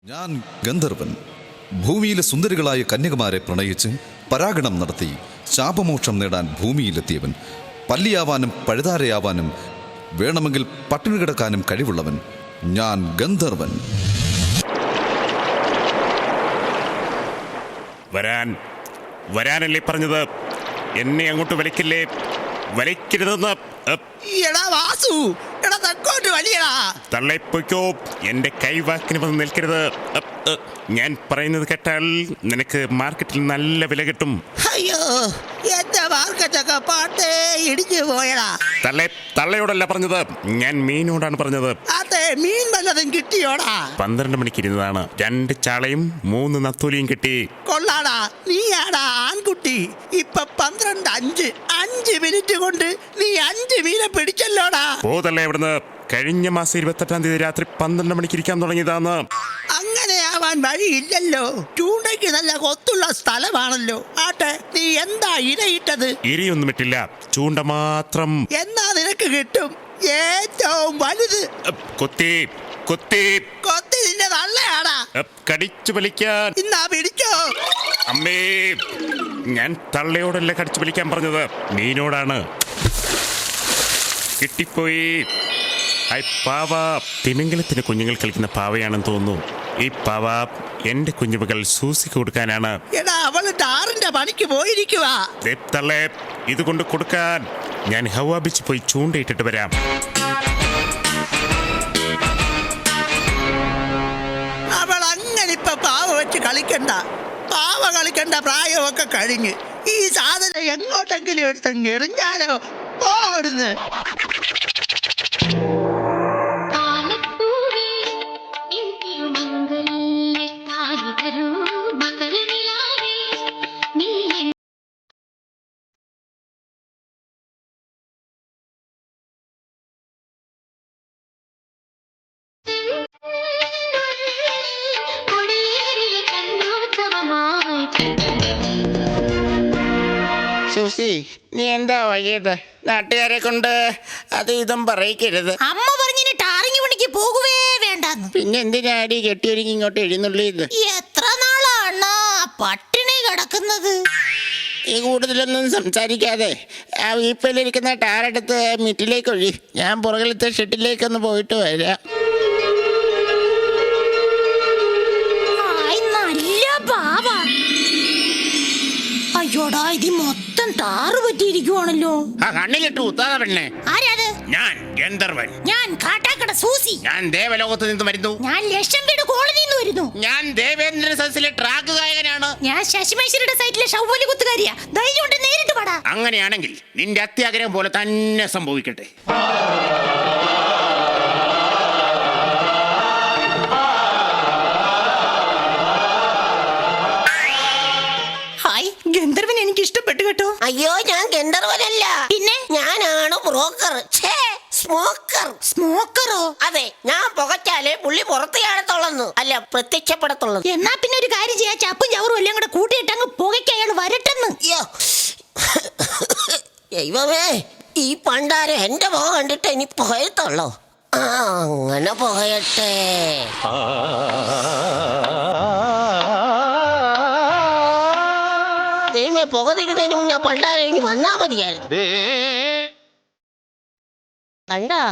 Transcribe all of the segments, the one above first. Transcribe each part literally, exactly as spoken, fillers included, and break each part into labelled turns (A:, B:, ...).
A: ഞാൻ ഗന്ധർവൻ. ഭൂമിയിലെ സുന്ദരികളായ കന്യകമാരെ പ്രണയിച്ച് പരാഗണം നടത്തി ശാപമോക്ഷം നേടാൻ ഭൂമിയിലെത്തിയവൻ. പല്ലിയാവാനും പഴുതാരയാവാനും വേണമെങ്കിൽ പട്ടിണി കിടക്കാനും കഴിവുള്ളവൻ. ഞാൻ ഗന്ധർവൻ.
B: വരാൻ വരാനല്ലേ പറഞ്ഞത്? എന്നെ അങ്ങോട്ട് വലിക്കില്ലേ? വലിക്കരുതെന്ന്.
C: എടാ വാസു, എടാ തെക്കോട്ട് വലിയടാ.
B: തള്ളയിപ്പോയ്ക്കോ, എന്റെ കൈവാക്കിന് വന്ന് നിൽക്കരുത്. ഞാൻ പറയുന്നത് കേട്ടാൽ നിനക്ക് മാർക്കറ്റിൽ നല്ല വില കിട്ടും.
C: അയ്യോ, എന്റെ മാർക്കറ്റൊക്കെ പാട്ടേ ഇടിഞ്ഞു പോയടാ.
B: തള്ളെ തള്ളയോടല്ല പറഞ്ഞത്, ഞാൻ മീനോടാണ് പറഞ്ഞത്.
C: അതെ, മീൻ വല്ലതും കിട്ടിയോടാ?
B: പന്ത്രണ്ട് മണിക്ക് ഇരുന്നതാണ്. രണ്ട് ചാളയും മൂന്ന് നത്തൂലിയും കിട്ടി.
C: കൊള്ളാടാ, നീയാടാ ആൺകുട്ടി. ഇപ്പൊ പന്ത്രണ്ട് അഞ്ച് അഞ്ച് മിനിറ്റ് കൊണ്ട് നീ അഞ്ച് മീനെ പിടിച്ചല്ലോടാ.
B: പോതല്ലേ ഇവിടുന്ന്. കഴിഞ്ഞ മാസം ഇരുപത്തെട്ടാം തീയതി രാത്രി പന്ത്രണ്ട് മണിക്ക് ഇരിക്കാൻ തുടങ്ങിയതാണ്.
C: അങ്ങനെയാവാൻ വഴിയില്ലല്ലോ. ചൂണ്ടയ്ക്ക് നല്ല കൊത്തുള്ള സ്ഥലമാണല്ലോ. ആട്ടെ, നീ എന്താ ഇരയിട്ടത്?
B: ഇരിയൊന്നും ഇട്ടില്ല, ചൂണ്ട മാത്രം.
C: എന്നാ നിനക്ക് കിട്ടും ഏറ്റവും വലുത്.
B: കൊത്തി കൊത്തി
C: കൊത്തി നിന്റെ നല്ലയാടാ.
B: കടിച്ചു വലിക്കാൻ.
C: ഇന്നാ പിടിച്ചോ.
B: അമ്മേ, ഞാൻ തള്ളയോടല്ല കടിച്ചു വലിക്കാൻ പറഞ്ഞത്, മീനോടാണ്. കിട്ടിപ്പോയി. ഐ പാവ. തിമിംഗലത്തിന് കുഞ്ഞുങ്ങൾ കളിക്കുന്ന പാവയാണെന്ന് തോന്നുന്നു. ഈ പാവ എന്റെ കുഞ്ഞുമകൾ സൂസിക്ക് കൊടുക്കാനാണ്.
C: എടാ, അവള് ടാറിന്റെ പണിക്ക് പോയിരിക്കുവാ.
B: തള്ളേ, ഇതുകൊണ്ട് കൊടുക്കാൻ. ഞാൻ ഹവാ ബീച്ച് പോയി ചൂണ്ടയിട്ടിട്ട് വരാം.
C: അവൾ അങ്ങനെ ഇപ്പൊ പാവ വെച്ച് കളിക്കണ്ട. പാവ കളിക്കണ്ട പ്രായമൊക്കെ കഴിഞ്ഞ്. ഈ സാധനം എങ്ങോട്ടെങ്കിലും എടുത്തങ്ങ് എറിഞ്ഞാലോ. പോടുന്ന്.
D: സൂസി, നീ എന്താ വൈകിയത്? നാട്ടുകാരെ കൊണ്ട് അത് ഇതും പറയിക്കരുത്.
E: അമ്മ പറഞ്ഞിന് ടാറിങ് പണിക്ക് പോകുവേ വേണ്ടെന്ന്.
D: പിന്നെ എന്തിനാടി കെട്ടിയൊരുങ്ങി ഇങ്ങോട്ട് എഴുന്നള്ളിയത്?
E: എത്ര നാളാണ് പട്ടിണി കിടക്കുന്നത്?
D: ഈ കൂടുതലൊന്നും സംസാരിക്കാതെ ആ വീപ്പയിലിരിക്കുന്ന ടാറെടുത്ത് മിറ്റിലേക്ക് ഒഴി. ഞാൻ പുറകിലത്തെ ഷെട്ടിലേക്കൊന്ന് പോയിട്ട് വരാം.
E: നല്ല പാവ. അയ്യോടാ, ഇത് മൊത്തം ടാറ് പറ്റിയിരിക്കുവാണല്ലോ.
D: ആ കണ്ണിലിട്ടു ഉത്താത പെണ്ണെ.
E: ആരാത്?
D: ഞാൻ ഗന്ധർവൻ.
E: ഞാൻ കാട്ടാക്കട സൂസി.
D: ഞാൻ ദേവലോകത്ത് നിന്ന് വരുന്നു.
E: ഞാൻ ലക്ഷം വീട് കോളനിയിൽ നിന്ന് വരുന്നു.
D: ഞാൻ ദേവേന്ദ്ര സദസ്സിലെ ട്രാക്ക് ഗായകനാണ്.
E: ഞാൻ ശശിമേശ്വരുടെ സൈറ്റിലെ ഷൗവലി കുത്തുകാരിയാ. ധൈര്യം കൊണ്ട് നേരിട്ട് പാടാ.
D: അങ്ങനെയാണെങ്കിൽ നിന്റെ അത്യാഗ്രഹം പോലെ തന്നെ സംഭവിക്കട്ടെ.
E: ഗന്ധർവൻ എനിക്ക് ഇഷ്ടപ്പെട്ടു കേട്ടോ.
F: അയ്യോ, ഞാൻ ഗന്ധർവനല്ല.
E: പിന്നെ
F: ഞാനാണ് ബ്രോക്കർ. സ്മോക്കർ.
E: സ്മോക്കറോ?
F: അതെ, ഞാൻ പുകച്ചാലേ പുള്ളി പുറത്ത് കാണത്തുള്ളൂ, അല്ല പ്രത്യക്ഷപ്പെടത്തുള്ളൂ.
E: എന്നാ പിന്നെ ഒരു കാര്യം ചെയ്യാ, ചപ്പും ചവറും എല്ലാം കൂടെ കൂട്ടിയിട്ട് അങ്ങ് പുകയ്ക്ക് അയാൾ വരട്ടെന്ന്.
F: ദൈവമേ, ഈ പണ്ടാരം എന്റെ പുക കണ്ടിട്ട് ഇനി പുകയത്തുള്ളോ? ആ, അങ്ങനെ പുകയട്ടെ. ദൈവമേ, പുക തിരുന്നതിന് മുന്നേ പണ്ടാരം ഇനി വന്നാ മതിയായിരുന്നു. കണ്ടാ?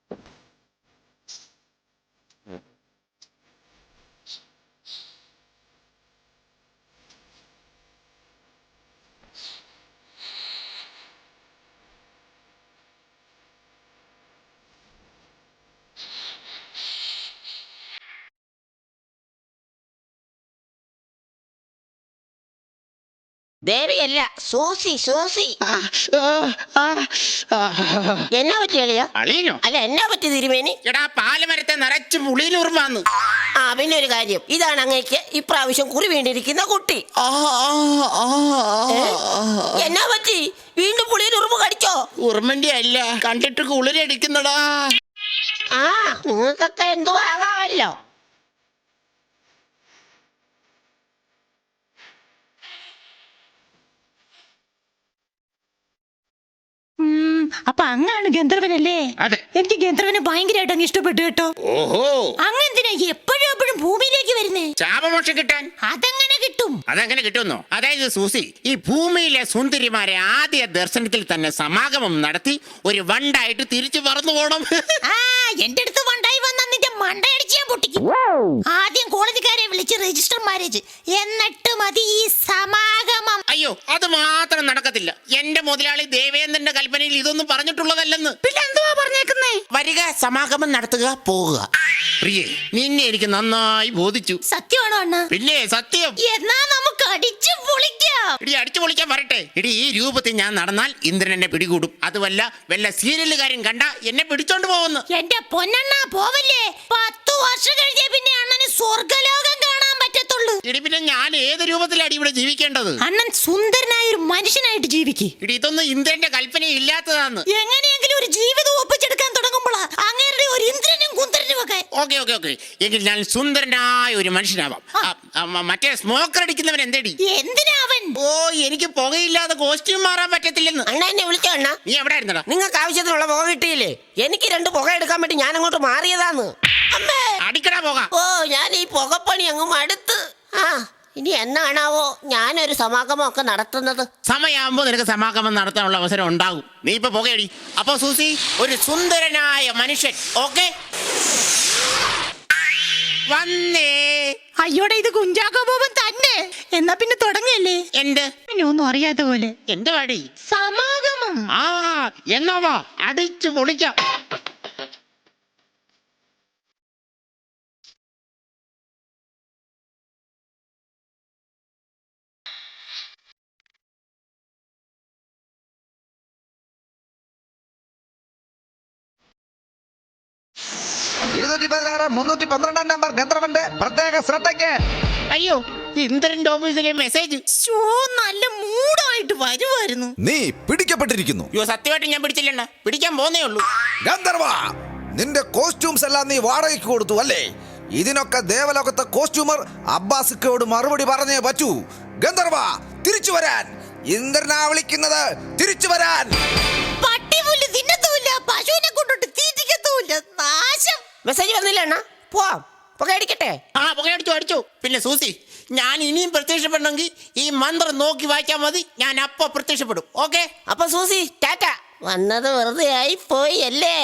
F: ദേവിയല്ല, സോസി സോസി. എന്നാ പറ്റി അളിയാ?
D: അളിയനോ?
F: അല്ല, എന്നാ പറ്റി തിരുമേനി?
D: എടാ, പാലമരത്തെ നിറച്ച് പുളിയിലുറുമാന്ന്.
F: ആ, പിന്നെ ഒരു കാര്യം, ഇതാണ് അങ്ങേക്ക് ഇപ്രാവശ്യം കുറി വീണ്ടിരിക്കുന്ന കുട്ടി. എന്നാ പറ്റി? വീണ്ടും പുളിയിൽ ഉറുമ്പ് കടിച്ചോ?
D: ഉറുമന്റെ അല്ല, കണ്ടിട്ട് കുളിരടിക്കുന്നടാ.
F: ആ, നിങ്ങൾക്കൊക്കെ എന്തോ ആകാമല്ലോ.
E: അപ്പൊ അങ്ങാണ് ഗന്ധർവനല്ലേ?
D: അതെ.
E: എനിക്ക് ഗന്ധർവനെ ഭയങ്കരമായിട്ട് അങ്ങ് ഇഷ്ടപ്പെട്ടു കേട്ടോ.
D: ഓഹോ,
E: അങ്ങെന്തിനാ എപ്പോഴും എപ്പോഴും ഭൂമിയിലേക്ക് വരുന്നേ?
D: ശാപമോക്ഷം കിട്ടാൻ.
E: അതെങ്ങനെ കിട്ടും?
D: അതെങ്ങനെ കിട്ടുമെന്നോ? അതായത് സൂസി, ഈ ഭൂമിയിലെ സുന്ദരിമാരെ ആദ്യ ദർശനത്തിൽ തന്നെ സമാഗമം നടത്തി ഒരു വണ്ടായിട്ട് തിരിച്ചു പറന്നു പോണം.
E: ആ, എന്റെ അടുത്ത് വണ്ടായി വന്ന നിന്റെ മണ്ടയടിച്ച് ഞാൻ പൊട്ടിക്കും. ആദ്യം കോളേജുകാരെ വിളിച്ച് രജിസ്റ്റർ മാരേജ്, എന്നിട്ട് മതി ഈ സമാഗമം.
D: അയ്യോ, അത് മാത്രം നടക്കത്തില്ല. എന്റെ മുതലാളി ദേവേന്ദ്രന്റെ കൽപ്പനയിൽ ഇതൊന്നും പറഞ്ഞിട്ടുള്ളതല്ലെന്ന്.
E: പിന്നെ എന്തുവാ പറഞ്ഞേക്കുന്നേ?
D: വരിക, സമാഗമം നടത്തുക, പോവുക. പ്രിയേ, നിന്നെ എനിക്ക് നന്നായി ബോധിച്ചു.
E: സത്യമാണോ അണ്ണ?
D: പിന്നെ സത്യം.
E: എന്നാ നമുക്ക് അടിച്ചു പൊളിക്കാം.
D: ഇടി, അടിച്ചു പൊളിക്കാൻ വരട്ടെ. ഇടി, ഈ രൂപത്തിൽ ഞാൻ നടന്നാൽ ഇന്ദ്രൻ എന്നെ പിടികൂടും. അതുമല്ല, വല്ല സീരിയലുകാരും കണ്ട എന്നെ പിടിച്ചോണ്ട് പോകുന്നു.
E: എന്റെ പൊന്നണ്ണ പോവല്ലേ? പത്തു വർഷം കഴിഞ്ഞേ പിന്നെ അണ്ണന് സ്വർഗലോകം കാണാൻ പറ്റത്തുള്ളൂ.
D: ഇടി, പിന്നെ ഞാൻ ഏത് രൂപത്തിലാണ് ഇവിടെ ജീവിക്കേണ്ടത്?
E: അണ്ണൻ സുന്ദരനായ ഒരു മനുഷ്യനായിട്ട് ജീവിക്ക്.
D: ഇടി, ഇതൊന്നും ഇന്ദ്രന്റെ കൽപ്പന ഇല്ലാത്തതാന്ന്.
E: എങ്ങനെയെങ്കിലും ഒരു ജീവിതം ഒപ്പിച്ചെടുക്കാൻ തുടങ്ങുമ്പോഴാ അങ്ങനെ ഒരു ഇന്ദ്രനും കുന്തരനും ഒക്കെ.
D: ഓക്കെ ഓക്കെ ഓക്കെ എങ്കിൽ ഞാൻ സുന്ദരനായ ഒരു മനുഷ്യനാവാം. ആ, ആ, മറ്റേ സ്മോക്കർ അടിക്കുന്നവൻ എന്തേടി?
E: എന്തിനാ അവൻ?
D: ഓ, എനിക്ക് പുകയില്ലാതെ കോസ്റ്റ്യൂം മാറാൻ പറ്റത്തില്ലെന്ന്.
F: അണ്ണ എന്നെ വിളിച്ചോ അണ്ണ?
D: നീ എവിടെ ആയിരുന്നടാ?
F: നിങ്ങൾക്ക് ആവശ്യത്തിനുള്ള പുക കിട്ടിയില്ലേ? എനിക്ക് രണ്ട് പുക എടുക്കാൻ വേണ്ടി ഞാൻ അങ്ങോട്ട് മാറിയതാന്ന്. അമ്മേ,
D: അടിക്കടാ പോക.
F: ഓ, ഞാൻ ഈ പുകപ്പണി അങ്ങ് മടുത്ത്. ആ, ഇനി എന്നാണാവോ ഞാനൊരു സമാഗമം ഒക്കെ നടത്തുന്നത്?
D: സമയമാകുമ്പോ നിനക്ക് സമാഗമം നടത്താനുള്ള അവസരം ഉണ്ടാകും. നീ ഇപ്പൊ പുകയടി. അപ്പൊ സൂസി, ഒരു സുന്ദരനായ മനുഷ്യൻ. ഓക്കെ, വന്നേ.
E: അയ്യോടെ, ഇത് കുഞ്ചാക്കോ ബോബൻ തന്നെ. എന്നാ പിന്നെ തുടങ്ങിയല്ലേ?
D: എന്ത്?
E: പിന്നെ ഒന്നും അറിയാത്ത പോലെ.
D: എന്റെ വടി
E: സമാഗമം.
D: ആ, എന്നാവാ അടിച്ചു പൊളിക്കാം.
C: ഇരുന്നൂറ്റി പതിനാറ് മുന്നൂറ്റി പന്ത്രണ്ടാം നമ്പർ ഗന്ധർവന്റെ പ്രത്യേക ശ്രദ്ധയ്ക്ക്.
D: അയ്യോ, ഇന്ദ്രന്റെ ഓഫീസിലെ മെസ്സേജ്.
E: ഷോ, നല്ല മൂടായിട്ട് വരുമായിരുന്നു.
A: നീ പിടിക്കപ്പെട്ടിരിക്കുന്നു.
D: അയ്യോ, സത്യമായിട്ട് ഞാൻ പിടിച്ചില്ലണ്ണ. പിടിക്കാൻ പോന്നേ ഉള്ളൂ.
A: ഗന്ധർവ, നിന്റെ കോസ്റ്റ്യൂംസ് എല്ലാം നീ വാടകയ്ക്ക് കൊടുത്തു അല്ലേ? ഇതിനൊക്കെ ദേവലോകത്തെ കോസ്റ്റ്യൂമർ അബ്ബാസിക്കോട് മറുപടി പറഞ്ഞേ പറ്റൂ. ഗന്ധർവ, തിരിച്ചു വരാൻ. ഇന്ദ്രനാ വിളിക്കുന്നത്, തിരിച്ചു വരാൻ.
E: പട്ടിപുല്ല് തിന്നത്തുമില്ല, പശുവിനെ കൊണ്ടിട്ട് തീറ്റിക്കത്തുമില്ല. നാശം.
F: മെസ്സേജ് വന്നില്ല അണ്ണ? പോവാം, പുക അടിക്കട്ടെ.
D: ആ, പുകയടിച്ചു അടിച്ചു. പിന്നെ സൂസി, ഞാൻ ഇനിയും പ്രത്യക്ഷപ്പെടണമെങ്കിൽ ഈ മന്ത്രം നോക്കി വായിച്ചാൽ മതി. ഞാൻ അപ്പൊ പ്രത്യക്ഷപ്പെടും. ഓക്കെ?
F: അപ്പൊ സൂസി, ടാറ്റ. വന്നത് വെറുതെ ആയി പോയി അല്ലേ?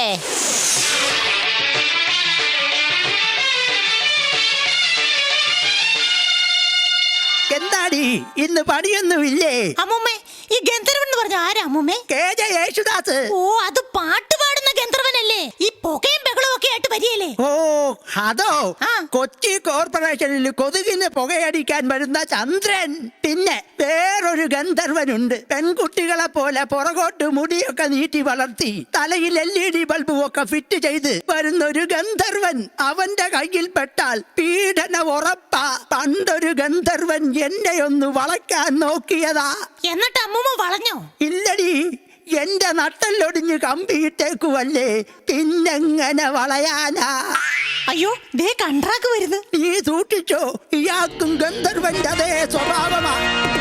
C: എന്താടി ഇന്ന് പണിയൊന്നുമില്ലേ?
E: അമ്മൂമ്മേ, ഈ ഗന്ധർവൻ എന്ന് പറഞ്ഞ ആരാ അമ്മൂമ്മേ?
C: K J Yesudas.
E: ഓ, അത് പാട്ട് പാടുന്ന ഗന്ധർവനല്ലേ? ഈ പുകയും ബഹളവും ഒക്കെ ആയിട്ട് വരികയല്ലേ?
C: ഓ, അതോ?
E: ആ.
C: കൊച്ചി കോർപ്പറേഷനിൽ കൊതുകിന് പുകയടിക്കാൻ വരുന്ന ചന്ദ്രൻ. പിന്നെ വേറൊരു ഗന്ധർവനുണ്ട്. പെൺകുട്ടികളെ പോലെ പുറകോട്ട് മുടിയൊക്കെ നീട്ടി വളർത്തി തലയിൽ എൽ ഇ ഡി ബൾബും ഒക്കെ ഫിറ്റ് ചെയ്ത് വരുന്നൊരു ഗന്ധർവൻ. അവന്റെ കയ്യിൽ പെട്ടാൽ പീഡന ഉറപ്പാ. പണ്ടൊരു ഗന്ധർവൻ എന്നെ ഒന്ന് വളയ്ക്കാൻ നോക്കിയതാ.
E: എന്നിട്ട് അമ്മൂമ്മ വളഞ്ഞോ?
C: ഇല്ലടി, എന്റെ നട്ടല്ലൊടിഞ്ഞ് കമ്പിയിട്ടേക്കുവല്ലേ, പിന്നെങ്ങനെ വളയാനാ?
E: അയ്യോ, ദേ കണ്ട്രാക്ക് വരുന്നു.
C: നീ സൂക്ഷിച്ചോ, ഇയാൾക്കും ഗന്ധർവന്റെ അതേ സ്വഭാവമാ.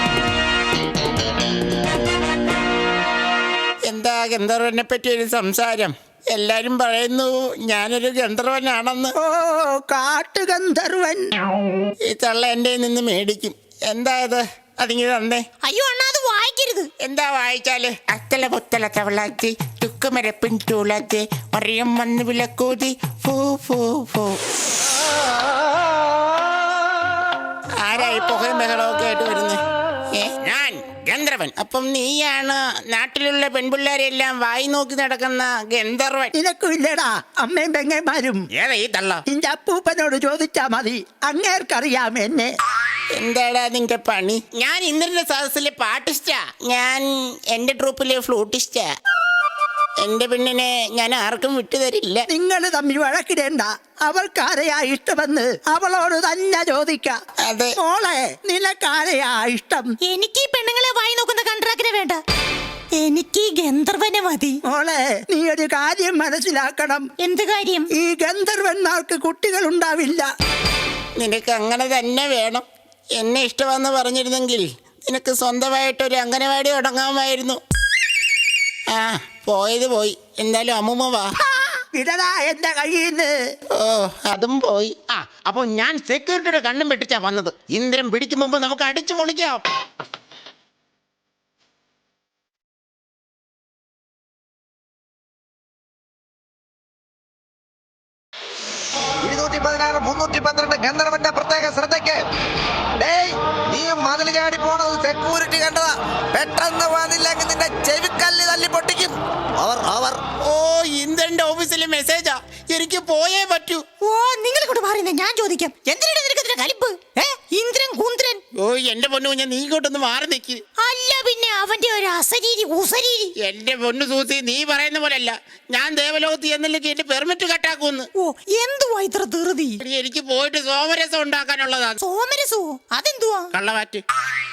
D: എന്താ ഗന്ധർവനെ പറ്റി ഒരു സംസാരം? എല്ലാരും പറയുന്നു ഞാനൊരു ഗന്ധർവനാണെന്ന്.
C: ഓ, കാട്ടുഗന്ധർവൻ.
D: ഈ തള്ള എന്റെ നിന്ന് മേടിക്കും. എന്താ ഇത്? അതിങ്ങനെ തന്നേ.
E: അയ്യോ അണ്ണാ, അത് വായിക്കരുത്.
D: എന്താ വായിച്ചാല്? അത്തല പൊത്തല തവളാത്തി തുക്കുമരപ്പിൻ തൂളാത്തി മറിയം വന്ന് വിളക്കൂതി ഫൂ ഫൂ ഫൂ. ആരായി പുകയും ബഹളമൊക്കെ ആയിട്ട് വരുന്നേ? ഏ, ഞാൻ ഗന്ധർവൻ. അപ്പം നീയാണ് നാട്ടിലുള്ള പെൺപിള്ളേരെല്ലാം വായി നോക്കി നടക്കുന്ന ഗന്ധർവൻ.
C: നിനക്കും ഇല്ലടാ അമ്മയും പെങ്ങന്മാരും?
D: ഏതാ ഈ തള്ള?
C: നിന്റെ അപ്പൂപ്പനോട് ചോദിച്ചാ മതി, അങ്ങേർക്കറിയാം എന്നെ.
D: എന്താടാ നിന്റെ പണി? ഞാൻ ഇന്ദ്രന്റെ സദസ്സിലെ പാട്ടിസ്റ്റാ. ഞാൻ എന്റെ ട്രൂപ്പിലെ ഫ്ലൂട്ടിസ്റ്റാ. എന്റെ പെണ്ണിനെ ഞാൻ ആർക്കും വിട്ടുതരില്ല.
C: നിങ്ങൾ തമ്മിൽ വഴക്കിടേണ്ട. അവൾക്കാരെയാ ഇഷ്ടമെന്ന് അവളോട് തന്നെ ചോദിക്കാം.
D: അതെ.
C: മോളെ, നിനക്കാരെയാ ഇഷ്ടം?
E: എനിക്ക് ഈ പെണ്ണുങ്ങളെ വായി നോക്കുന്ന കണ്ട്രാക്കിനെ വേണ്ട, എനിക്ക് ഈ ഗന്ധർവനെ മതി.
C: മോളെ, നീ ഒരു കാര്യം മനസ്സിലാക്കണം.
E: എന്ത് കാര്യം?
C: ഈ ഗന്ധർവന്മാർക്ക് കുട്ടികൾ ഉണ്ടാവില്ല.
D: നിനക്ക് അങ്ങനെ തന്നെ വേണം. എന്നെ ഇഷ്ടമെന്ന് പറഞ്ഞിരുന്നെങ്കിൽ നിനക്ക് സ്വന്തമായിട്ടൊരു അംഗനവാടി തുടങ്ങാമായിരുന്നു. ആ പോയത് പോയി. എന്തായാലും അമ്മൂമ്മ വാ.
C: വിടടാ എന്റെ കയ്യിന്ന്.
D: ഓ അതും പോയി. ആ അപ്പൊ ഞാൻ സെക്യൂരിറ്റിയുടെ കണ്ണും വെട്ടിച്ചാ വന്നത്. ഇന്ദ്രൻ പിടിക്കും മുമ്പ് നമുക്ക് അടിച്ചു പൊളിക്കാം.
A: ഇരുന്നൂറ്റി പതിനാറ് മുന്നൂറ്റി പന്ത്രണ്ട് ഗന്ധർവന്റെ പ്രത്യേക ശ്രദ്ധയ്ക്ക്. ഡേയ്, നീ മതിൽ ചാടി പോണത് സെക്യൂരിറ്റി കണ്ടതാ. പെട്ടെന്ന് വന്നില്ലെങ്കിൽ നിന്റെ ചെവിക്കല്ല് തല്ലി പൊട്ടിക്കും. അവർ അവർ
D: ഓ ഇന്ദ്രന്റെ ഓഫീസിലെ മെസ്സേജാ. എനിക്ക് പോയേ പറ്റൂ.
E: ഓ നിങ്ങൾ കൊണ്ട് പറയുന്നത് ഞാൻ ചോദിക്കാം. എന്തിനാണ് നിനക്ക് ഇതിന്റെ കലിപ്പ്? ഏ ഇന്ദ്രൻ കുന്ദ്രൻ.
D: ഓ എന്റെ പൊന്നു ഞാൻ നീ ഇങ്ങോട്ടൊന്ന് മാറി നിൽക്ക്.
E: അല്ല പിന്നെ അവന്റെ ഒരു അസരീരി ഉസരീരി.
D: എന്റെ പൊന്നു സൂസി, നീ പറയുന്ന പോലല്ല. ഞാൻ ദേവലോകത്ത് എന്നില്ലെങ്കിൽ എന്റെ പെർമിറ്റ് കട്ടാക്കൂന്ന്.
E: ഓ എന്തുവാ ഇത്ര ധൃതി?
D: എടി, എനിക്ക് പോയിട്ട് സോമരസം ഉണ്ടാക്കാനുള്ളതാണ്.
E: സോമരസോ? അതെന്തുവാ?
D: കള്ളവാറ്റ്.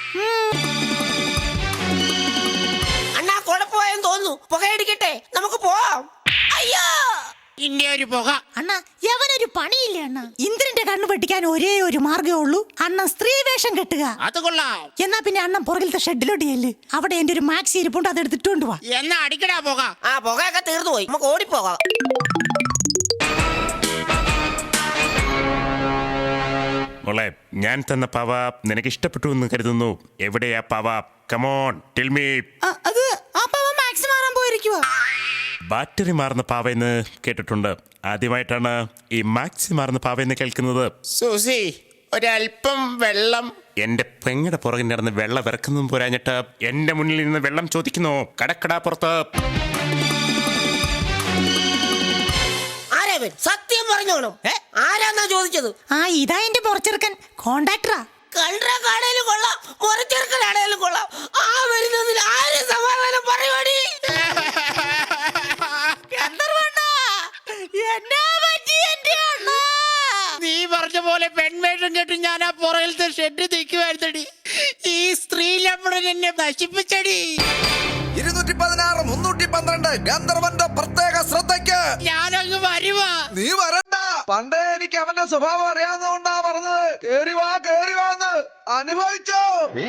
F: അണ്ണാ കുഴപ്പമായെന്ന് തോന്നുന്നു. പുകയടിക്കട്ടെ, നമുക്ക് പോവാം. അയ്യോ
D: ഇന്റെ ഒരു പുക.
E: അണ്ണ യവനൊരു പണിയില്ല അണ്ണ. ഇന്ദ്രന്റെ കണ്ണു വെട്ടിക്കാൻ ഒരേ ഒരു മാർഗ്ഗമേ ഉള്ളൂ. അണ്ണൻ സ്ത്രീ വേഷം കെട്ടുക.
D: അത് കൊള്ളാം.
E: എന്നാ പിന്നെ അണ്ണൻ പുറകിലത്തെ ഷെഡിലോട്ട് ചെല്ല്. അവിടെ എന്റെ ഒരു മാക്സി ഇരിപ്പുണ്ട്, അത് എടുത്തിട്ടുണ്ട് വാ.
D: എന്നാ അടിക്കടാ പുക.
F: ആ പുകയൊക്കെ തീർന്നു പോയി. നമുക്ക് ഓടിപ്പോകാം.
B: മോളെ, ഞാൻ തന്ന പാവ നിനക്ക് ഇഷ്ടപ്പെട്ടു എന്ന് കരുതുന്നു. എവിടെയാ പാവ? Come on tell me.
E: അത് ആ പാവ മാക്സി മാറാൻ പോയിരിക്കുവാ.
B: ബാറ്ററി മാറുന്ന പാവയെന്ന് കേട്ടിട്ടുണ്ട്. ആദ്യമായിട്ടാണ് ഈ മാക്സി മാറുന്ന പാവയെന്ന് കേൾക്കുന്നത്.
D: സൂസി, ഒരല്പം വെള്ളം.
B: എന്റെ പെങ്ങടെ പുറകിൽ നടന്ന് വെള്ളം ഇറക്കുന്നതും പോരാഞ്ഞിട്ട് എന്റെ മുന്നിൽ നിന്ന് വെള്ളം ചോദിക്കുന്നു. കടക്കടാ പുറത്ത്.
F: ആരാവൻ? സത്യം പറഞ്ഞോണം. ആരാന്നാ ചോദിച്ചത്?
E: ആ ഇതാ എന്റെ പുറച്ചെറുക്കൻ, കോണ്ടാക്ടറാ.
F: കണ്ട കടയിലും കൊള്ളാം, മുറച്ചെറുക്കനാണേലും കൊള്ളാം. ആ വരുന്നതിൽ ആരും സമാധാനം പറയുവാടി.
D: നീ പറഞ്ഞ പോലെ പെൺവേഷം കേട്ട് ഞാൻ ആ പുറകിലത്തെ ഷെഡ് നിൽക്കുവായിരുന്നടി. ഈ സ്ത്രീ ലംബടൻ എന്നെ നശിപ്പിച്ചടി.
A: ഇരുന്നൂറ്റി പതിനാറ് മുന്നൂറ്റി പന്ത്രണ്ട് ഗന്ധർവന്റെ പ്രത്യേക ശ്രദ്ധയ്ക്ക്.
D: ഞാനങ്ങ് വരുവാ.
A: നീ വരണ്ട. പണ്ടേ എനിക്ക് അവന്റെ സ്വഭാവം അറിയാവുന്നതുകൊണ്ടാ പറഞ്ഞത്. കേറി വാ, കേറി വാന്ന് അനുഭവിച്ചോ.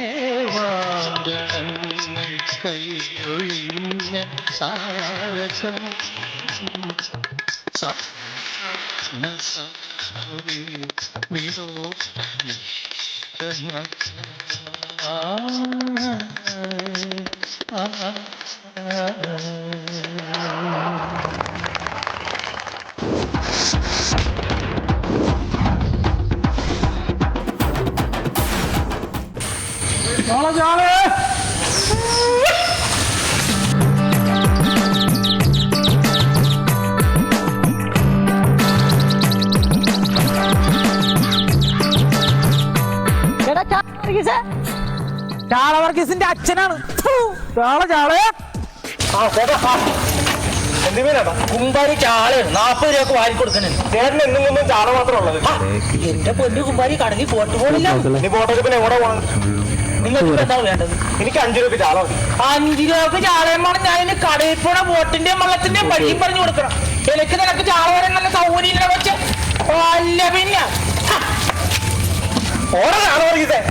G: ചാളവർഗീസിന്റെ അച്ഛനാണ് ചാള ചാള കുമ്പാരി ചാളയാണ്. നാപ്പത് രൂപ വാരി കൊടുക്കുന്നുണ്ട്. ചേട്ടൻ എന്നും കൊണ്ടും ചാള മാത്രം ഉള്ളത്. എന്റെ പൊന്നു കുമ്പാരി കടലിൽ പോട്ട് പോണില്ല. നീ പോട്ടൊക്കെ പിന്നെ എവിടെ പോകണം? നിങ്ങൾക്ക് എന്താ വേണ്ടത്? എനിക്ക് അഞ്ചു രൂപ ചാള മതി. അഞ്ചു രൂപ ചാളയും വേണം. ഞാൻ ഇതിന് കടയിൽ പോണ ബോട്ടിന്റെയും വള്ളത്തിന്റെയും വഴിയും പറഞ്ഞു കൊടുക്കണം. എനിക്ക് നിനക്ക് ചാള വരാൻ നല്ല സൗകര്യം വെച്ച് അല്ല പിന്നെ ഓരോ ചാള വർഗീസേ.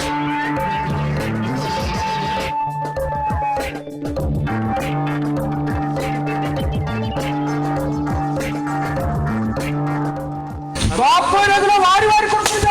G: വാരി വാരി കൊടുത്തു.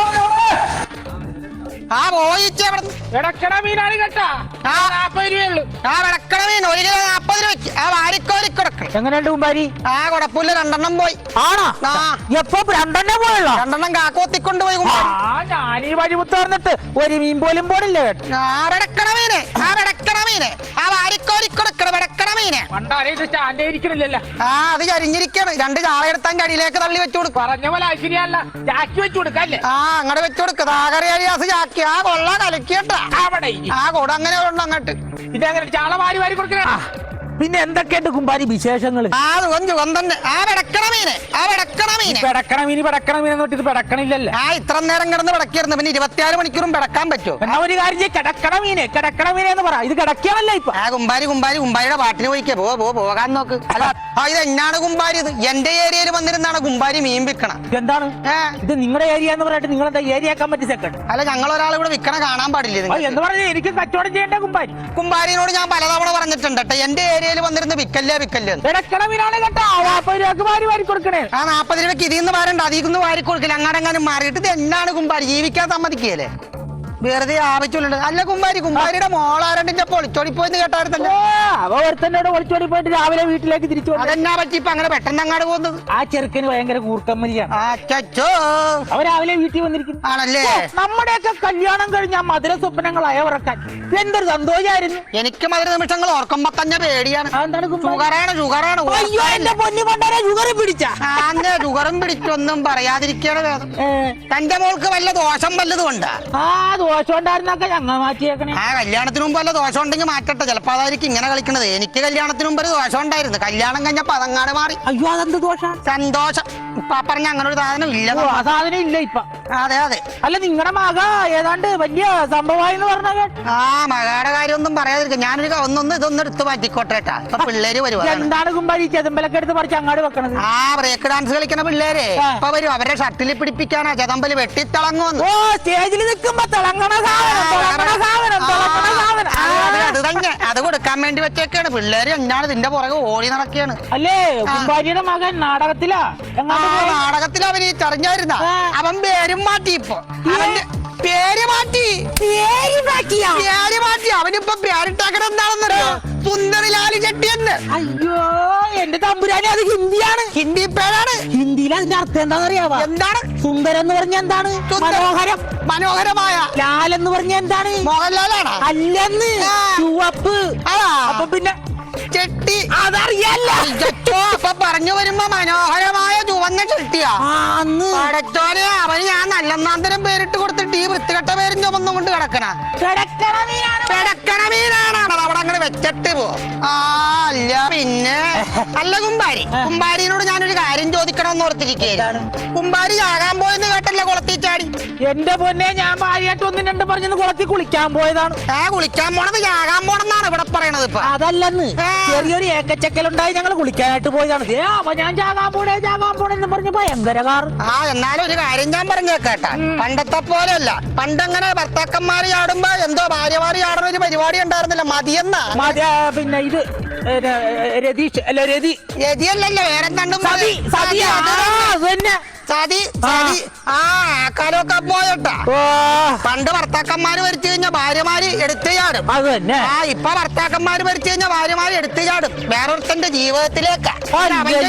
F: ആ പോയിച്ച
G: ഇടക്കണ മീനാണ് കേട്ടാ. നാപ്പത് രൂപയുള്ളൂ.
F: ആ വിളക്കണ മീൻ ഒരു കിലോ നാപ്പത് രൂപയ്ക്ക്. ആ വാരിക്കോരി കൊടുക്കണം.
G: എങ്ങനെയുണ്ട് കുമ്പാരി?
F: ആ കുഴപ്പമില്ല. രണ്ടെണ്ണം പോയി.
G: ആണോ? എപ്പോ രണ്ടെണ്ണം പോയല്ലോ?
F: രണ്ടെണ്ണം കാക്കോത്തിക്കൊണ്ട് പോയി.
G: ആ ഞാനീ വഴിമുത്ത് പറഞ്ഞിട്ട് ഒരു മീൻ പോലും പോണില്ല കേട്ടോ.
F: ആ വെടക്കണ മീനെ, ആ വെടക്കണ മീനെ, ആ വാരിക്കോരി കൊടുക്കണം. വെടക്കണ മീനെ
G: പണ്ടാരെ ഇത് സ്റ്റാൻഡ് ഇരിക്കണില്ലല്ലോ.
F: ആ അത് ചരിഞ്ഞിരിക്കാണ്. രണ്ട് ചാള എടുത്താൻ കടിയിലേക്ക് തള്ളി വെച്ചു കൊടുക്കും.
G: പറഞ്ഞ പോലെ ശരിയല്ല. ജാക്കി വെച്ചു കൊടുക്കല്ലേ?
F: ആ അങ്ങോട്ട് വെച്ചു കൊടുക്കുക. താകറിയാസ് ചാക്കി. ആ കൊള്ള കലക്കിയട്ടാ
G: അവിടെ
F: ആ കൂടെ അങ്ങനെ ഉണ്ട് അങ്ങോട്ട്.
G: ഇതങ്ങനെ ചാള വാരി വാരി കൊടുക്കണ. പിന്നെ എന്തൊക്കെയുണ്ട് കുമ്പാരി വിശേഷങ്ങൾ?
F: ആ സുഖം സുഖം തന്നെ. ആ വെടക്കണ മീനെ, ആ വെടക്കണ മീനെ.
G: പെടക്കണ മീന് പെടക്കണ മീനെന്ന് പറഞ്ഞിട്ട് ഇത് പെടക്കണില്ലല്ലോ.
F: ആ ഇത്ര നേരം കിടന്ന് പിടക്കിയിരുന്നു. പിന്നെ ഇരുപത്തിയാറ് മണിക്കൂറും പിടക്കാൻ പറ്റുമോ?
G: എന്നാ ഒരു കാര്യം ചെയ്യ്, കിടക്കണ മീനെ കിടക്കണ മീനെ എന്ന് പറ. ഇത് കിടക്കിയാണല്ലോ ഇപ്പൊ.
F: ആ കുമ്പാരി കുമ്പാരി കുമ്പാരിയുടെ പാട്ടിന് പോയിക്കേ. പോ പോ പോകാൻ നോക്ക്. അല്ല ആ ഇത് എന്നാണ് കുമ്പാരി? ഇത് എന്റെ ഏരിയയിൽ വന്നിരുന്നാണ് കുമ്പാരി മീൻ വിൽക്കണം.
G: എന്താണ്
F: ഏ
G: ഇത് നിങ്ങളുടെ ഏരിയ എന്ന് പറഞ്ഞിട്ട് നിങ്ങളെന്താ ഏരിയ ആക്കാൻ പറ്റി സെക്കൻഡ്?
F: അല്ല ഞങ്ങൾ ഒരാൾ ഇവിടെ വിൽക്കണ കാണാൻ പാടില്ല.
G: എന്ന് പറഞ്ഞാൽ എനിക്ക് കച്ചവടം ചെയ്യേണ്ട കുമ്പാരി.
F: കുമ്പാരിനോട് ഞാൻ പലതവണ പറഞ്ഞിട്ടുണ്ട് കേട്ടോ. എന്റെ ഏരിയ
H: ഏരിയയിൽ വന്നിരുന്ന് വിക്കല്ലേ വിക്കല്ലേ
G: കിടക്കണ മീനാണ് കേട്ടോ നാപ്പത് രൂപക്ക് വാരി വാരി കൊടുക്കണേ.
H: ആ നാപ്പത് രൂപയ്ക്ക് ഇതിന്ന് വരണ്ട അതിന്ന് വാരി കൊടുക്കില്ല അങ്ങാടെങ്ങാനും മാറിയിട്ട് ഇത് എന്നാണ് കുമ്പാരി ജീവിക്കാൻ സമ്മതിക്കുകയല്ലേ വെറുതെ ആവശ്യമുണ്ട്. അല്ല കുമ്പാരി കുമ്പാരിയുടെ മോളാരണ്ടിന്റെ പൊളിച്ചോടി പോയെന്ന് കേട്ടായിരുന്നല്ലോ.
G: അവ ഒരുത്തന്നോട് ഒളിച്ചോടി പോയിട്ട് രാവിലെ വീട്ടിലേക്ക് തിരിച്ചു വന്നു.
H: അതെന്നാ പറ്റി ഇപ്പൊ അങ്ങനെ പെട്ടെന്ന് അങ്ങാട് പോകുന്നത്?
G: ആ ചെറുക്കന് ഭയങ്കര കൂർക്കമ്മലിയാണ്.
H: അച്ചോ
G: അവ രാവിലെ വീട്ടിൽ വന്നിരിക്കുന്നു.
H: ആണല്ലേ?
G: നമ്മുടെയൊക്കെ കല്യാണം കഴിഞ്ഞ മധുര സ്വപ്നങ്ങൾ അയവിറക്കാൻ എന്തൊരു സന്തോഷമായിരുന്നു.
H: എനിക്ക് മധുര നിമിഷങ്ങൾ ഓർക്കുമ്പോ തന്നെ പേടിയാണ്.
G: അതെന്താണ്
H: ഷുഗറാണ് ഷുഗറാണ്.
G: അയ്യോ എന്റെ പൊന്നു പണ്ടാരെ ഷുഗർ പിടിച്ച
H: ആന്റെ ഷുഗറും പിടിച്ചൊന്നും പറയാതിരിക്കണ വേദം. തന്റെ മോൾക്ക് വല്ല ദോഷം വല്ലതും ഉണ്ടാ?
G: ആ ദോഷം ഉണ്ടായിരുന്നൊക്കെ ഞങ്ങൾ മാറ്റിയേക്കണേ.
H: ആ കല്യാണത്തിന് മുമ്പ് വല്ല ദോഷം ഉണ്ടെങ്കിൽ മാറ്റട്ടെ. ചിലപ്പോ അതായിരിക്കും ഇങ്ങനെ കളിക്കണത്. എനിക്ക് കല്യാണത്തിന് മുമ്പ് ഒരു ദോഷം ഉണ്ടായിരുന്നു. കല്യാണം കഴിഞ്ഞപ്പോ അതങ്ങാട് മാറി.
G: അയ്യോ അതെന്ത് ദോഷം?
H: സന്തോഷം. ഇപ്പൊ പറഞ്ഞ അങ്ങനെ ഒരു സാധനം ഇല്ല.
G: ഓ, ആ സാധനം ഇല്ല ഇപ്പൊ.
H: അതെ അതെ.
G: അല്ല നിങ്ങളുടെ മക ഏതാണ്ട് വലിയ സംഭവമായിന്ന് പറഞ്ഞ
H: ആ മകളുടെ കാര്യമൊന്നും പറയാതിരിക്കും. ഞാനൊരു ഒന്നൊന്ന് ഇതൊന്നും എടുത്ത് മാറ്റിക്കോട്ടെ. ഇപ്പൊ പിള്ളേര് വരുവാ.
G: എന്താണ് കുമ്പാരി ചെതമ്പലൊക്കെ എടുത്ത് പറിച്ച് അങ്ങാട് വെക്കണത്?
H: ആ ബ്രേക്ക് ഡാൻസ് കളിക്കണ പിള്ളേരെ
G: ആ.
H: ഇപ്പൊ വരും. അവരെ ഷട്ടിൽ പിടിപ്പിക്കാനാ ചെതമ്പല് വെട്ടിത്തിളങ്ങുന്നു.
G: ഓ സ്റ്റേജിൽ നിൽക്കുമ്പോ തിളങ്ങണ സാധനം, തിളങ്ങണ സാധനം, തിളങ്ങണ സാധനം. ആ.
H: അത് തന്നെ അത് കൊടുക്കാൻ വേണ്ടി വെച്ചേക്കാണ്. പിള്ളേര് എന്താണ് ഇതിന്റെ പുറകെ ഓടി നടക്കുകയാണ്.
G: അല്ലേ കുമ്പാരിയുടെ മകൻ നാടകത്തിലാ
H: ആ
G: എങ്ങാണ്ട് പോയി.
H: നാടകത്തിൽ അവൻ ഈ ചറിഞ്ഞായിരുന്ന
G: ആ.
H: അവൻ പേരും മാറ്റി. ഇപ്പൊ അവന്റെ പേര് മാറ്റി
G: പേര് മാറ്റിയാ?
H: പേര് മാറ്റി. അവനിപ്പൊ പേരിട്ടാക്കണ എന്താണെന്നറിയോ? സുന്ദരിലാലി ചെട്ടി എന്ന്.
G: അയ്യോ എന്റെ തമ്പുരാനെ അത് ഹിന്ദിയാണ്.
H: ഹിന്ദി പേരാണ്.
G: ഹിന്ദിയിൽ അതിന്റെ അർത്ഥം എന്താണെന്നറിയാവാ?
H: എന്താണ്?
G: സുന്ദരം എന്ന് പറഞ്ഞ എന്താണ്?
H: സുന്ദരം.
G: മനോഹരം.
H: മനോഹരമായ.
G: ലാൽ എന്ന് പറഞ്ഞ എന്താണ്?
H: മോഹൻലാലാണ്.
G: അല്ലെന്ന്
H: ആ.
G: ചുവപ്പ്.
H: ആ.
G: അപ്പൊ പിന്നെ
H: ചെട്ടി.
G: അതറിയല്ല.
H: അയ്യോ, അപ്പൊ പറഞ്ഞു വരുമ്പോ മനോഹരമായ ചുവന്ന ചെട്ടിയാ.
G: ആന്ന്
H: പടച്ചോനെ അവന് ഞാൻ നല്ലെന്നാന്തരം പേരിട്ട് കൊടുത്തിട്ട് ഈ വൃത്തികെട്ട പേരും ചുമന്നും കൊണ്ട് കിടക്കണ
G: കിടക്കണ മീനാണ്.
H: കിടക്കണ മീനാണ്. അവിടെ അങ്ങനെ വെച്ചിട്ട് പോ. ആ അല്ല പിന്നെ അല്ല കുമ്പാരി കുമ്പാരിനോട് ഞാനൊരു കാര്യം ചോദിക്കണമെന്ന് ഓർത്തിരിക്കുകയാണ്. കുമ്പാരി ചാകാൻ പോയെന്ന് കേട്ടല്ലേ കുളത്തിൽ ചാടി?
G: എന്റെ പൊന്നെ ഞാൻ ഭാര്യയായിട്ട് ഒന്നും രണ്ടും പറഞ്ഞത് കുളത്തിൽ കുളിക്കാൻ പോയതാണ്.
H: ആ കുളിക്കാൻ പോണത് ചാകാൻ പോണെന്നാണ് ഇവിടെ പറയണത്. ഇപ്പൊ
G: അതല്ലെന്ന്
H: ആ.
G: ചെറിയൊരു ഏക്കച്ചക്കലുണ്ടായി ഞങ്ങൾ കുളിക്കാനായിട്ട് പോയതാണ്. ഏ അപ്പൊ ഞാൻ ചാകാൻ പോണേ ചാകാൻ പോണെന്ന് പറഞ്ഞ ഭയങ്കര കാർ.
H: ആ എന്നാലും ഒരു കാര്യം ഞാൻ പറഞ്ഞേക്കേട്ടാ. പണ്ടത്തെ പോലെയല്ല. പണ്ടങ്ങനെ ഭർത്താക്കന്മാര് ചാടുമ്പോ എന്തോ ഭാര്യമാര് ചാടുന്ന ഒരു പരിപാടി ഉണ്ടായിരുന്നില്ല. മതിയെന്നാ.
G: മതി- ആ, പിന്നെ ഇത് ഏ, ര- രതീഷ് അല്ല രതി
H: രതിയല്ലല്ലോ വേറെന്താണ്ടും
G: സതി സതി ആ, അത് തന്നെ.
H: സതി സതി ആ കാലമൊക്കെ പോയട്ടാ.
G: ഓ
H: പണ്ട് ഭർത്താക്കന്മാര് മരിച്ചു കഴിഞ്ഞാൽ ഭാര്യമാര് എടുത്തു ചാടും.
G: അത് തന്നെ.
H: ആ ഇപ്പൊ ഭർത്താക്കന്മാര് മരിച്ചു കഴിഞ്ഞാൽ ഭാര്യമാര് എടുത്തു ചാടും വേറൊരുത്തന്റെ ജീവിതത്തിലേക്ക്. അവന്റെ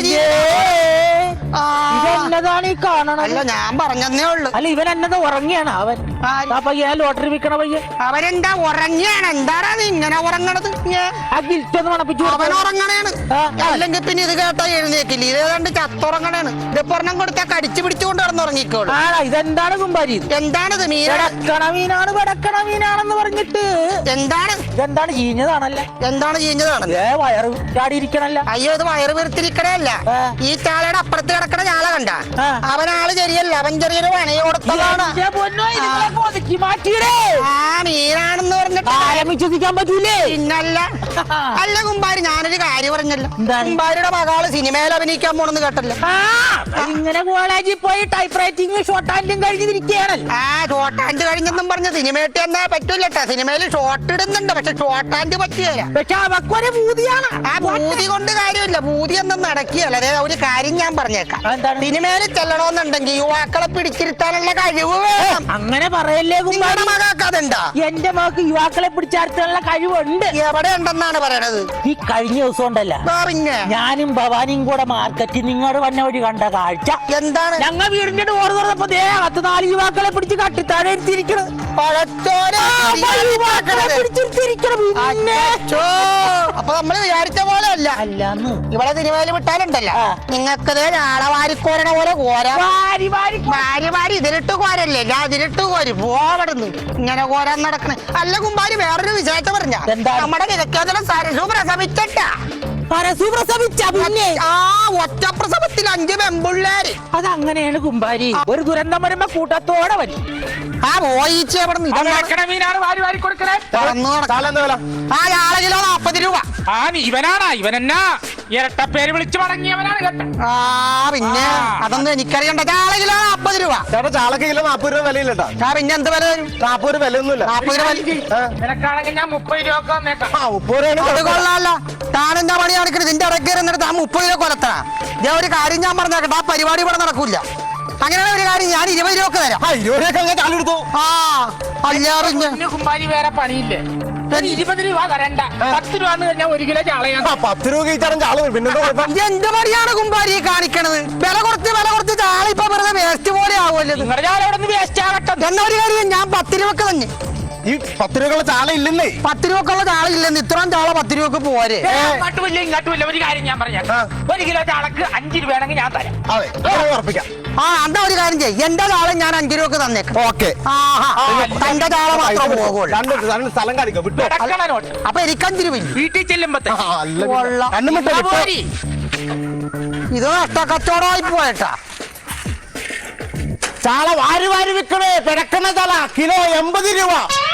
H: ജീവിതം. ആ.
G: ഇതെന്നതാണ് ഈ കാണണത്?
H: അല്ല ഞാൻ പറഞ്ഞതേ ഉള്ളു.
G: അല്ല ഇവൻ എന്നത് ഉറങ്ങിയാണ് അവൻ.
H: ആര്?
G: ആ പയ്യൻ ലോട്ടറി വിൽക്കണ പയ്യൻ.
H: അവരെന്താ ഉറങ്ങിയാണ്? എന്താടാ നീ ഇങ്ങനെ ഉറങ്ങണത്?
G: ആ ഗിൽറ്റൊന്ന് മണപ്പിച്ചു
H: അവൻ
G: കൊടുക്കണം.
H: ഉറങ്ങണേണ്.
G: ആ.
H: അല്ലെങ്കിൽ പിന്നെ ഇത് കേട്ടാ എഴുന്നേക്കില്ല. ഇത് ഏതാണ്ട് ചത്തുറങ്ങണേണ്. ഇത് പൊറണം കൊടുത്താ കടിച്ചു പിടിച്ചുകൊണ്ട് കിടന്നുറങ്ങിക്കോളൂ.
G: ആണോ ഇതെന്താണ് കുമ്പാരി?
H: എന്താണിത്? മീന
G: വെടക്കണ മീനാണ് വെടക്കണ മീനാണെന്ന് പറഞ്ഞിട്ട്
H: എന്താണ്?
G: ഇതെന്താണ് ചീഞ്ഞതാണല്ല?
H: എന്താണ് ചെയ്യുന്നതാണ്?
G: ഏ വയറ് ചാടിയിരിക്കണല്ല.
H: അയ്യോ ഇത് വയറ് വീർത്തിരിക്കണല്ല.
G: ആ.
H: ഈ ചാളയുടെ അപ്പുറത്ത് കിടക്കണ ചാള കണ്ട?
G: ആ.
H: അവനാള് ശരിയല്ല. അവൻ ചെറിയൊരു പണി കൊടുത്തതാണ്.
G: എന്റെ പൊന്നോ, ഇതുങ്ങളെ ഒതുക്കി മാറ്റിയിടേ.
H: ആ മീനാണെന്ന് പറഞ്ഞിട്ട്
G: കാലം വിശ്വസിക്കാൻ പറ്റൂലേ?
H: പിന്നല്ല. അല്ല കുമ്പാരി ഞാനൊരു കാര്യം പറഞ്ഞല്ലോ.
G: എന്താണ്?
H: കുമ്പാരിയുടെ മകള് സിനിമയിൽ അഭിനയിക്കാൻ പോണെന്ന് കേട്ടല്ലോ.
G: ആ ഇങ്ങനെ കോളേജിൽ പോയി ടൈപ്പ് റൈറ്റിംഗ് ഷോർട്ട് ഹാൻഡും കഴിഞ്ഞിരിക്കുകയാണല്ലോ.
H: ആ ഷോർട്ട് ഹാൻഡ് കഴിഞ്ഞെന്നും പറഞ്ഞ് സിനിമയിട്ട് എന്നാ പറ്റൂലട്ടാ. സിനിമയിൽ ഷോർട്ട് ഇടുന്നുണ്ട് പക്ഷെ ഷോർട്ട് ഹാൻഡ് പറ്റിയല്ല.
G: പക്ഷെ അവക്കൊരു ഭൂതിയാണ്.
H: ആ ഭൂതി കൊണ്ട് കാര്യമില്ല. ഭൂതി ഒന്നും നടക്കുകയല്ല. അതെ ഒരു കാര്യം ഞാൻ പറഞ്ഞേക്കാം.
G: എന്താണ്?
H: സിനിമയിൽ ചെല്ലണമെന്നുണ്ടെങ്കിൽ യുവാക്കളെ പിടിച്ചിരുത്താനുള്ള കഴിവ് വേണം.
G: അങ്ങനെ പറയല്ലേ
H: നിങ്ങളുടെ
G: കുമ്പാരി.
H: മകൾക്ക് അതുണ്ടാ?
G: എന്റെ മകൾക്ക് യുവാക്കളെ പിടിച്ചാർത്തുള്ള കഴിവുണ്ട്.
H: എവിടെ ഉണ്ടെന്നാണ് പറയണത്?
G: ഈ കഴിഞ്ഞ ദിവസം ഉണ്ടല്ലോ
H: ആ, പിന്നെ
G: ഞാനും ഭവാനിയും കൂടെ മാർക്കറ്റിൽ നിങ്ങളുടെ വന്ന വഴി കണ്ട കാഴ്ച
H: എന്താണ്?
G: ഞങ്ങൾ വീടിന്റെ ഡോർ തുറന്നപ്പോ ദേ പത്ത് നാല് യുവാക്കളെ പിടിച്ച് കട്ടിത്താഴെ ഇരുത്തിയിരിക്കണം.
H: പഴച്ചോനെ
G: യുവാക്കളെ പിടിച്ചിരുത്തിയിരിക്കണം. പിന്നെ
H: അച്ചോ. അപ്പൊ നമ്മള് വിചാരിച്ച പോലെ അല്ല.
G: അല്ലാന്ന്
H: ഇവിടെ സിനിമയിൽ വിട്ടാലുണ്ടല്ലോ
G: ആ.
H: നിങ്ങൾക്കത് ആളെ വാരിക്കോരണ പോലെ കോര
G: വാരി വാരി
H: വാരി വാരി ഇതിലിട്ട് കോരല്ലേ? ഞാൻ ഇതിലിട്ട് കോരി പോവടുന്നു ഇങ്ങനെ കോരാൻ നടക്കണ. അല്ല കുമ്പാരി വേറൊരു വിശേഷം പറഞ്ഞ
G: എന്താണ്?
H: നമ്മുടെ കിഴക്കേതല സരസു പ്രസവിച്ചിട്ടാ.
G: പരസ്യ പ്രസവിച്ച പിന്നെ
H: ആ ഒറ്റ പ്രസവത്തിൽ അഞ്ച് പെമ്പിള്ളേര്.
G: അതങ്ങനെയാണ് കുമ്പാരി. ഒരു ദുരന്തം വരുമ്പോ കൂട്ടത്തോടെ വരും.
H: ആ പോയിച്ച അവിടെ
G: മീനാണ് വാരി വാരി കൊടുക്കണേ.
H: ആ ആളെ കിലോ നാപ്പത് രൂപ.
G: ആ ഇവനാണ് ഇവനെന്നാ ഇരട്ടപ്പേര് വിളിച്ചു മടങ്ങിയവനാണ് കേട്ടോ.
H: ആ പിന്നെ അതൊന്നും എനിക്കറിയണ്ട. ആളെ കിലോ നാപ്പത് രൂപ.
I: ചേട്ടാ ചാളക്ക് കിലോ നാപ്പത് രൂപ വിലയില്ലട്ടാ.
H: ആ പിന്നെ എന്ത് വില വരും?
I: നാപ്പത് രൂപ വിലയൊന്നുമില്ല.
H: നാപ്പത് രൂപ വില.
G: നിനക്കാണെങ്കിൽ ഞാൻ മുപ്പത് രൂപ വന്നേക്കാം.
I: ആ മുപ്പത് രൂപയാണ്
H: അത് കൊള്ളാല്ല. താനെന്താ പണി കാണിക്കണത്? നിന്റെ ഇടയ്ക്ക് എന്നിട്ട് ആ മുപ്പത് രൂപ കൊലത്തണ. ഞാൻ ഒരു കാര്യം ഞാൻ പറഞ്ഞേക്കട്ടെ, ആ പരിപാടി ഇവിടെ നടക്കൂല. അങ്ങനെയാണ് ഒരു കാര്യം, ഞാൻ ഇരുപത് രൂപ തരാം.
I: ആ ഇരുപത് രൂപ അങ്ങനെ ചാലെടുത്തു.
H: ആ അല്ല പിന്നെ
G: പിന്നെ കുമ്പാരി വേറെ പണിയില്ലേ? ഒരു ഇരുപത് രൂപ തരണ്ട, പത്ത് രൂപ കഴിഞ്ഞാൽ ഒരു കിലോ ചാളയാണ്.
I: ആ പത്ത് രൂപ കഴിച്ചാലും ചാള പിന്നെന്താ കുഴപ്പം?
H: ഇത് എന്ത് പണിയാണ് കുമ്പാരി ഈ കാണിക്കണത്? വില കുറച്ച് വില കുറച്ച് ചാള ഇപ്പൊ വെറുതെ വേസ്റ്റ് പോലെ ആവുമല്ലോ.
G: നിങ്ങളുടെ ചാള അവിടെ നിന്ന് വേസ്റ്റ് ആകട്ടെ.
H: എന്നാ ഒരു കാര്യം, ഞാൻ പത്ത് രൂപക്ക് തന്നെ.
I: ഈ പത്ത് രൂപക്കുള്ള ചാള ഇല്ലെന്നേ.
H: പത്ത് രൂപക്കുള്ള ചാള ഇല്ലെന്ന്, ഇത്രയും ചാള പത്ത് രൂപക്ക് പോരെ.
G: അങ്ങോട്ടും ഇല്ല ഇങ്ങോട്ടും ഇല്ല. ഒരു കാര്യം ഞാൻ പറഞ്ഞേക്കാം, ഒരു കിലോ ചാളക്ക് അഞ്ച് രൂപയാണെങ്കിൽ ഞാൻ തരാം.
I: അതെ അങ്ങനെ ഉറപ്പിക്കാം.
H: ആ എന്താ ഒരു കാര്യം ചെയ്യ്, എന്റെ ചാള ഞാൻ അഞ്ചു രൂപക്ക് തന്നേക്കാം.
I: ഓക്കെ.
H: ആഹാ, തന്റെ ചാള മാത്രം പോകുള്ളൂ.
I: രണ്ട് രണ്ട് സ്ഥലം കാണിക്കാം വിട്ടോ.
G: കിടക്കണ നോട്ട്.
H: അപ്പൊ എനിക്ക് അഞ്ചു രൂപ
G: വീട്ടിൽ ചെല്ലുമ്പത്തെ
I: ആ, അല്ല പിന്നെ.
H: കൊള്ളാം.
I: കണ്ണും വിട്ടോ, വിട്ടോ.
H: ഇത് നഷ്ട കച്ചവടമായി പോയേട്ടാ.
I: ചാള വാരി വാരി വിൽക്കണേ. പിടക്കണ ചാള കിലോ എൺപത് രൂപ.